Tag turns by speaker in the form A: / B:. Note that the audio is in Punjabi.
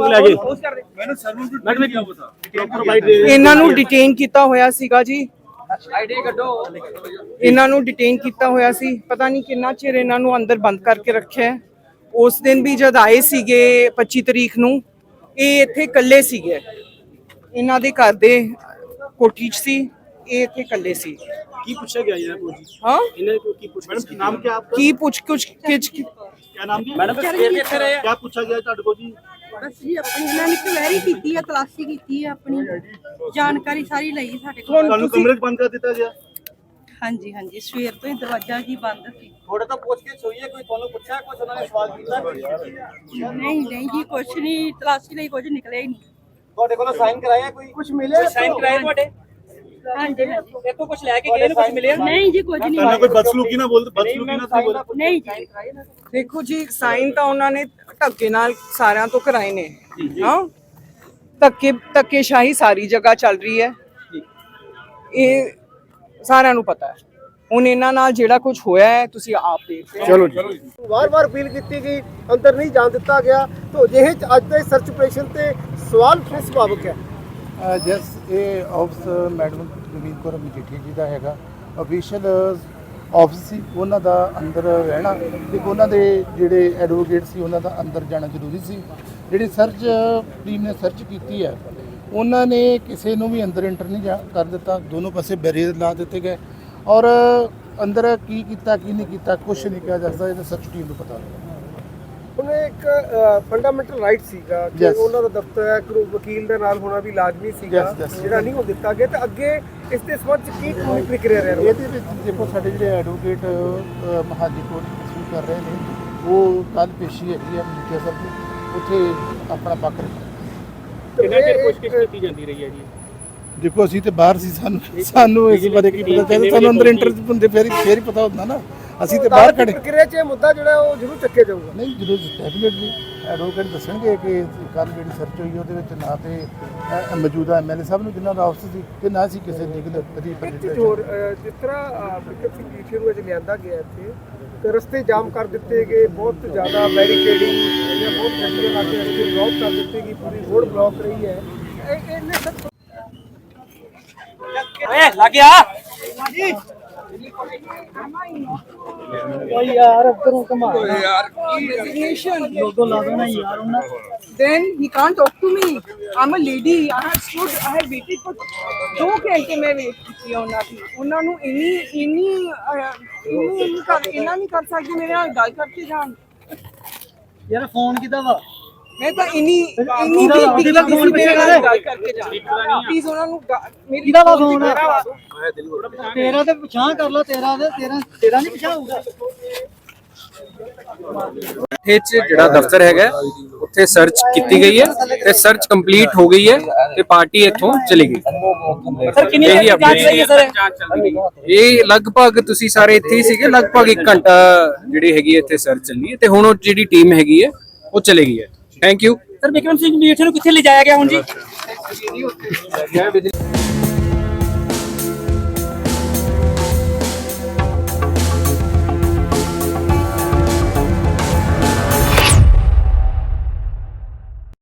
A: ਇਹਨਾਂ ਨੂੰ ਡਿਟੇਨ ਕੀਤਾ ਹੋਇਆ ਸੀਗਾ ਜੀ। ਇਹਨਾਂ ਨੂੰ ਡਿਟੇਨ ਕੀਤਾ ਹੋਇਆ ਸੀ, ਪਤਾ ਨਹੀਂ ਕਿੰਨਾ ਚਿਰ ਇਹਨਾਂ ਨੂੰ ਅੰਦਰ ਬੰਦ ਕਰਕੇ ਰੱਖਿਆ। ਉਸ ਦਿਨ ਵੀ ਜਦ ਆਏ ਸੀਗੇ 25 ਤਰੀਕ ਨੂੰ, ਇਹ ਇੱਥੇ ਇਕੱਲੇ ਸੀਗੇ, ਇਹਨਾਂ ਦੇ ਘਰ ਦੇ ਕੋਠੀ 'ਚ ਸੀ, ਇਹ ਇੱਥੇ ਇਕੱਲੇ ਸੀ।
B: ਕੀ ਪੁੱਛਿਆ ਗਿਆ ਇਹਨਾਂ ਕੋਲ ਜੀ?
A: ਹਾਂ
B: ਇਹਨਾਂ को ਕੀ ਪੁੱਛ ਮੈਡਮ ਨਾਮ ਕੀ ਆਪਕਾ?
A: ਕੀ ਪੁੱਛ ਕੁਛ
B: क्या नाम जी मैडम? क्या पूछा गया ਤੁਹਾਡੇ ਕੋਲ ਜੀ?
C: बस जी अपनी ਇਹਨਾਂ ਨੇ ਕੁਐਰੀ ਕੀਤੀ ਹੈ, ਤਲਾਸ਼ੀ ਕੀਤੀ ਹੈ, ਆਪਣੀ ਜਾਣਕਾਰੀ ਸਾਰੀ ਲਈ ਸਾਡੇ ਕੋਲ।
B: ਤੁਹਾਨੂੰ ਕਮਰੇ 'ਚ ਬੰਦ ਕਰ ਦਿੱਤਾ ਗਿਆ?
C: ਹਾਂਜੀ ਹਾਂਜੀ, ਸਵੇਰ ਤੋਂ ਹੀ ਦਰਵਾਜ਼ਾ ਜੀ ਬੰਦ ਸੀ।
B: ਥੋੜਾ ਤਾਂ ਪੁੱਛ ਕੇ ਸੋਈਏ, ਕੋਈ ਤੁਹਾਨੂੰ ਪੁੱਛਿਆ, ਕੁਝ ਉਹਨਾਂ ਨੇ ਸਵਾਲ ਕੀਤਾ?
C: ਨਹੀਂ ਨਹੀਂ ਜੀ, ਕੁਛ ਨਹੀਂ, ਤਲਾਸ਼ੀ ਲਈ ਕੁਝ ਨਿਕਲਿਆ ਹੀ ਨਹੀਂ।
B: ਤੁਹਾਡੇ ਕੋਲ ਸਾਈਨ ਕਰਾਇਆ? ਕੋਈ ਕੁਝ ਮਿਲਿਆ? ਸਾਈਨ ਕਰਾਇਆ ਤੁਹਾਡੇ?
C: ਹਾਂਜੀ ਹਾਂਜੀ,
B: ਇੱਥੋਂ ਕੁਝ ਲੈ ਕੇ ਗਏ ਨੇ, ਕੁਝ ਮਿਲਿਆ?
C: ਨਹੀਂ ਜੀ, ਕੁਝ ਨਹੀਂ।
B: ਤੁਹਾਨੂੰ ਕੋਈ ਬਦਸਲੂਕੀ ਨਾ ਬੋਲ, ਬਦਸਲੂਕੀ ਨਾ ਤੁਸੀਂ ਬੋਲ।
C: ਨਹੀਂ ਜੀ,
A: ਦੇਖੋ ਜੀ, ਸਾਈਨ ਤਾਂ ਉਹਨਾਂ ਨੇ ਧੱਕੇ ਨਾਲ ਸਾਰਿਆਂ ਤੋਂ ਕਰਾਏ ਨੇ। ਹਾਂ, ਧੱਕੇਸ਼ਾਹੀ ਸਾਰੀ ਜਗ੍ਹਾ ਚੱਲ ਰਹੀ ਹੈ, ਇਹ ਸਾਰਿਆਂ ਨੂੰ ਪਤਾ ਹੈ। ਹੁਣ ਇਹਨਾਂ ਨਾਲ ਜਿਹੜਾ ਕੁਝ ਹੋਇਆ ਹੈ ਤੁਸੀਂ ਆਪ ਦੇਖਦੇ ਹੋ।
B: ਚਲੋ ਜੀ,
D: ਵਾਰ-ਵਾਰ ਅਪੀਲ ਕੀਤੀ ਗਈ, ਅੰਦਰ ਨਹੀਂ ਜਾਣ ਦਿੱਤਾ ਗਿਆ। तो ਜਿਹੇ ਅੱਜ ਦੇ ਸਰਚ ਆਪਰੇਸ਼ਨ ਤੇ ਸਵਾਲ ਕਿਸ ਸੁਭਾਵਿਕ ਹੈ?
E: ਜਸ ਇਹ ਆਫਿਸ ਮੈਡਮ ਗੁਰਮੀਤ ਕੌਰ ਮਜੀਠੀਆ ਜੀ ਦਾ ਹੈਗਾ, ਅਫੀਸ਼ੀਅਲ ਆਫਿਸ ਸੀ, ਉਹਨਾਂ ਦਾ ਅੰਦਰ ਰਹਿਣਾ ਤੇ ਉਹਨਾਂ ਦੇ ਜਿਹੜੇ ਐਡਵੋਕੇਟ ਸੀ ਉਹਨਾਂ ਦਾ ਅੰਦਰ ਜਾਣਾ ਜ਼ਰੂਰੀ ਸੀ। ਜਿਹੜੀ ਸਰਚ ਟੀਮ ਨੇ ਸਰਚ ਕੀਤੀ ਹੈ, ਉਹਨਾਂ ਨੇ ਕਿਸੇ ਨੂੰ ਵੀ ਅੰਦਰ ਇੰਟਰ ਨਹੀਂ ਕਰ ਦਿੱਤਾ, ਦੋਨੋਂ ਪਾਸੇ ਬੈਰੀਅਰ ਲਾ ਦਿੱਤੇ ਗਏ ਔਰ ਅੰਦਰ ਕੀ ਕੀਤਾ ਕੀ ਨਹੀਂ ਕੀਤਾ ਕੁਝ ਨਹੀਂ ਕਿਹਾ ਜਾ ਸਕਦਾ, ਇਹ ਤਾਂ ਸਰਚ ਟੀਮ ਨੂੰ ਪਤਾ ਹੋਵੇਗਾ।
D: ਹੁਣ ਇੱਕ ਫੰਡਾਮੈਂਟਲ ਰਾਈਟ ਸੀਗਾ ਕਿ ਉਹਨਾਂ ਦਾ ਦਫ਼ਤਰ ਹੈ, ਵਕੀਲ ਦੇ ਨਾਲ ਹੋਣਾ ਵੀ ਲਾਜ਼ਮੀ ਸੀਗਾ, ਜਿਹੜਾ ਨਹੀਂ ਹੋ ਦਿੱਤਾ ਗਿਆ। ਤੇ ਅੱਗੇ ਇਸ ਦੇ ਸੰਬੰਧ ਚ ਕੀ ਪ੍ਰਕਿਰਿਆ ਰਹਿ ਰਹੀ ਹੈ?
E: ਇਹਦੇ ਵਿੱਚ ਦੇਖੋ, ਸਾਡੇ ਜਿਹੜੇ ਐਡਵੋਕੇਟ ਮਹਾਜੀ ਕੋਰਟ ਪਰਸੂ ਕਰ ਰਹੇ ਨੇ, ਉਹ ਕੱਲ ਪੇਸ਼ੀ ਹੈਗੀ ਹੈ ਮਜੀਠੀਆ ਸਾਹਿਬ ਦੀ, ਉੱਥੇ ਆਪਣਾ ਪੱਖ ਰੱਖਣਾ।
B: ਕਿੰਨਾ ਚਿਰ ਪੁੱਛਗਿੱਛ ਕੀਤੀ ਜਾਂਦੀ ਰਹੀ ਹੈ ਜੀ?
E: ਦੇਖੋ ਅਸੀਂ ਤੇ ਬਾਹਰ ਸੀ, ਸਾਨੂੰ ਇਸ ਬਾਰੇ ਕੀ ਪਤਾ ਚੱਲਦਾ, ਸਾਨੂੰ ਅੰਦਰ ਇੰਟਰ ਹੁੰਦੇ ਫੇਰ ਹੀ ਪਤਾ ਹੁੰਦਾ ਨਾ, ਅਸੀਂ ਤੇ ਬਾਹਰ ਖੜੇ।
D: ਪ੍ਰਕਿਰਿਆ 'ਚ ਇਹ ਮੁੱਦਾ ਜਿਹੜਾ ਉਹ ਜ਼ਰੂਰ ਚੱਕਿਆ ਜਾਊਗਾ।
E: ਨਹੀਂ ਜ਼ਰੂਰ, ਡੈਫੀਨੇਟਲੀ ਐਡਵੋਕੇਟ ਦੱਸਣਗੇ ਕਿ ਕੱਲ ਜਿਹੜੀ ਸਰਚ ਹੋਈ ਉਹਦੇ ਵਿੱਚ ਨਾ ਤੇ ਮੌਜੂਦਾ ਐਮਐਲਏ ਸਾਹਿਬ ਨੂੰ ਜਿਨ੍ਹਾਂ ਦਾ ਆਫਿਸ ਸੀ ਤੇ ਨਾ ਸੀ ਕਿਸੇ ਲੀਗਲ
D: ਹੋਰ ਜਿਸ ਤਰ੍ਹਾਂ ਵਿਕਟ ਸਿੰਘ ਮਜੀਠੀਆ ਨੂੰ ਅੱਜ ਲਿਆਂਦਾ ਗਿਆ ਇੱਥੇ, ਤੇ ਰਸਤੇ ਜਾਮ ਕਰ ਦਿੱਤੇ ਗਏ, ਬਹੁਤ ਜ਼ਿਆਦਾ ਬੈਰੀਕੇਡਿੰਗ ਜਾਂ ਬਹੁਤ ਗੱਡੀਆਂ ਲਾ ਕੇ ਰਸਤੇ ਬਲੌਕ ਕਰ ਦਿੱਤੇ ਗਏ, ਪੂਰੀ ਰੋਡ ਬਲੌਕ ਰਹੀ ਹੈ। ਇਹਨੇ ਸਭ
B: ਲੱਗ ਗਿਆ
A: यार अंदरों कमा यार resignation logo ला दो ना यार उन्ना, then he can't talk to me, I'm a lady, I have stood, I have waited for 2 घंटे मैं वेट की ਉਹਨਾਂ ਨੂੰ ਇੰਨੀ ਨਹੀਂ ਕਰ ਸਕਦੀ ਮੇਰੇ ਨਾਲ ਗੱਲ ਕਰਕੇ ਜਾਣ।
B: ਯਾਰ ਫੋਨ ਕਿਦਾ ਵਾ?
A: ਮੈਂ ਤਾਂ ਇੰਨੀ ਵੀ ਦਾ ਫੋਨ ਮੇਰੇ ਨਾਲ ਗੱਲ ਕਰਕੇ ਜਾਣ ਪਲੀਜ਼। ਉਹਨਾਂ ਨੂੰ ਮੇਰੀ
B: ਕਿਹਦਾ ਵਾ ਫੋਨ? ਤੇਰਾ ਤੇ ਪਛਾਣ ਕਰ ਲੋ, ਤੇਰਾ ਨਹੀਂ ਪਛਾਣ ਹੋਊਗਾ।
F: ਇੱਥੇ ਜਿਹੜਾ ਦਫ਼ਤਰ ਹੈਗਾ ਉੱਥੇ ਸਰਚ ਕੀਤੀ ਗਈ ਹੈ ਤੇ ਸਰਚ ਕੰਪਲੀਟ ਹੋ ਗਈ ਹੈ ਤੇ ਪਾਰਟੀ ਇੱਥੋਂ ਚਲੀ ਗਈ।
B: ਸਰ ਕਿੰਨੀ ਜਾਂਚ ਰਹੀ ਹੈ ਸਰ?
F: ਇਹ ਲਗਭਗ ਤੁਸੀਂ ਸਾਰੇ ਇੱਥੇ ਹੀ ਸੀਗੇ, ਲਗਭਗ 1 ਘੰਟਾ ਜਿਹੜੀ ਹੈਗੀ ਇੱਥੇ ਸਰਚ ਚੱਲੀ ਹੈ ਤੇ ਹੁਣ ਉਹ ਜਿਹੜੀ ਟੀਮ ਹੈਗੀ ਹੈ ਉਹ ਚਲੇ ਗਈ ਹੈ। Thank you.
B: Sir Vikram Singh Majithia ਨੂੰ ਕਿੱਥੇ ਲਿਜਾਇਆ ਗਿਆ ਹੁਣ ਜੀ?